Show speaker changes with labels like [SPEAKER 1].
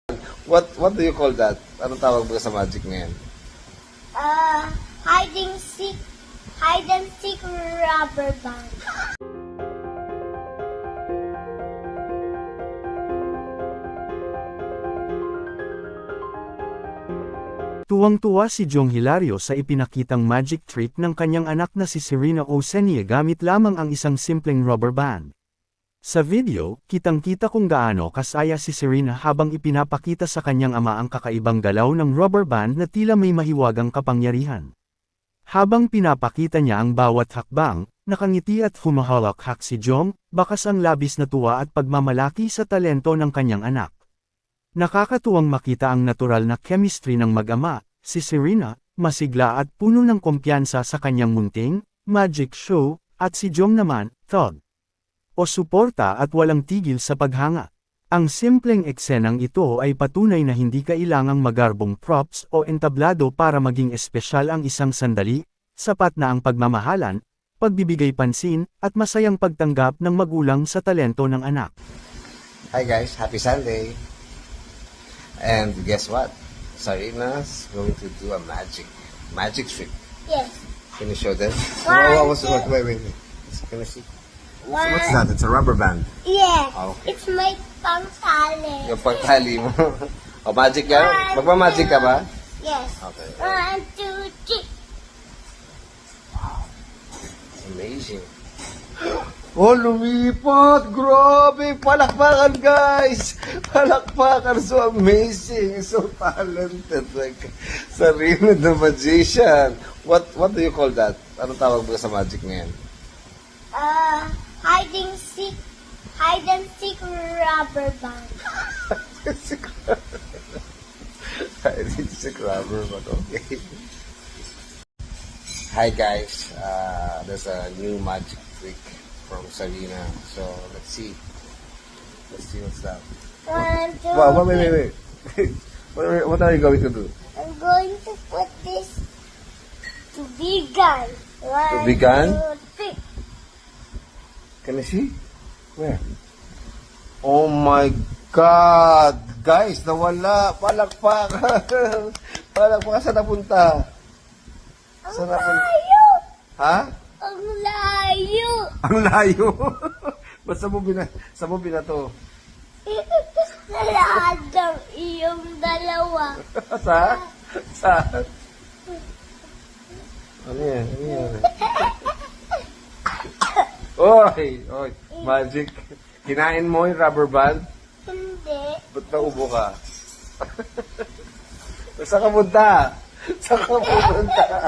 [SPEAKER 1] What do you call that? Anong tawag ba sa magic ngayon?
[SPEAKER 2] Hide and seek rubber band.
[SPEAKER 3] Tuwang-tuwa si Jong Hilario sa ipinakitang magic trick ng kanyang anak na si Serena Oceania gamit lamang ang isang simpleng rubber band. Sa video, kitang-kita kung gaano kasaya si Serena habang ipinapakita sa kanyang ama ang kakaibang galaw ng rubber band na tila may mahiwagang kapangyarihan. Habang pinapakita niya ang bawat hakbang, nakangiti at humahalak-hak si Jong, bakas ang labis na tuwa at pagmamalaki sa talento ng kanyang anak. Nakakatuwang makita ang natural na chemistry ng mag-ama, si Serena, masigla at puno ng kumpiyansa sa kanyang munting, magic show, at si Jong naman, thug o suporta at walang tigil sa paghanga. Ang simpleng eksenang ito ay patunay na hindi kailangang magarbong props o entablado para maging espesyal ang isang sandali, sapat na ang pagmamahalan, pagbibigay pansin, at masayang pagtanggap ng magulang sa talento ng anak.
[SPEAKER 1] Hi guys, happy Sunday! And guess what? Serena's going to do a magic trick.
[SPEAKER 2] Yes.
[SPEAKER 1] Can you show them? Wait. Can I see? What's that? It's a rubber band.
[SPEAKER 2] Yeah.
[SPEAKER 1] Okay.
[SPEAKER 2] It's my pangtali.
[SPEAKER 1] Yung pagtali mo. O, magic yan? Magpa-magic ka ba?
[SPEAKER 2] Yes.
[SPEAKER 1] Okay.
[SPEAKER 2] 1, 2, 3.
[SPEAKER 1] Amazing. Oh, lumipat! Grabe! Palakpakan, guys! Palakpakan! So amazing! So talented! Like, Serena the Magician! What do you call that? Anong tawag ba sa magic ngayon?
[SPEAKER 2] Hide and seek rubber band.
[SPEAKER 1] I need to check rubber, but okay. Hi guys! There's a new magic trick from Serena. So, let's see. Let's see what's that.
[SPEAKER 2] 1, 2,
[SPEAKER 1] Wow, wait. What are you going to do?
[SPEAKER 2] I'm going to put this to be gun.
[SPEAKER 1] To be gun?
[SPEAKER 2] 1, 2, 3.
[SPEAKER 1] Can I see? Where? Oh my God! Guys, nawala! Palakpakan! Palakpakan, saan napunta?
[SPEAKER 2] Ang
[SPEAKER 1] Saan napunta?
[SPEAKER 2] layo!
[SPEAKER 1] Ha?
[SPEAKER 2] Ang layo!
[SPEAKER 1] Ang layo! Ba't saan mo binato?
[SPEAKER 2] Sa lahat ng iyong dalawa.
[SPEAKER 1] Sa? Ano yan? Oy! Magic. Kinain mo yung rubber band?
[SPEAKER 2] Hindi.
[SPEAKER 1] Ba't naubo ka? Saan ka punta?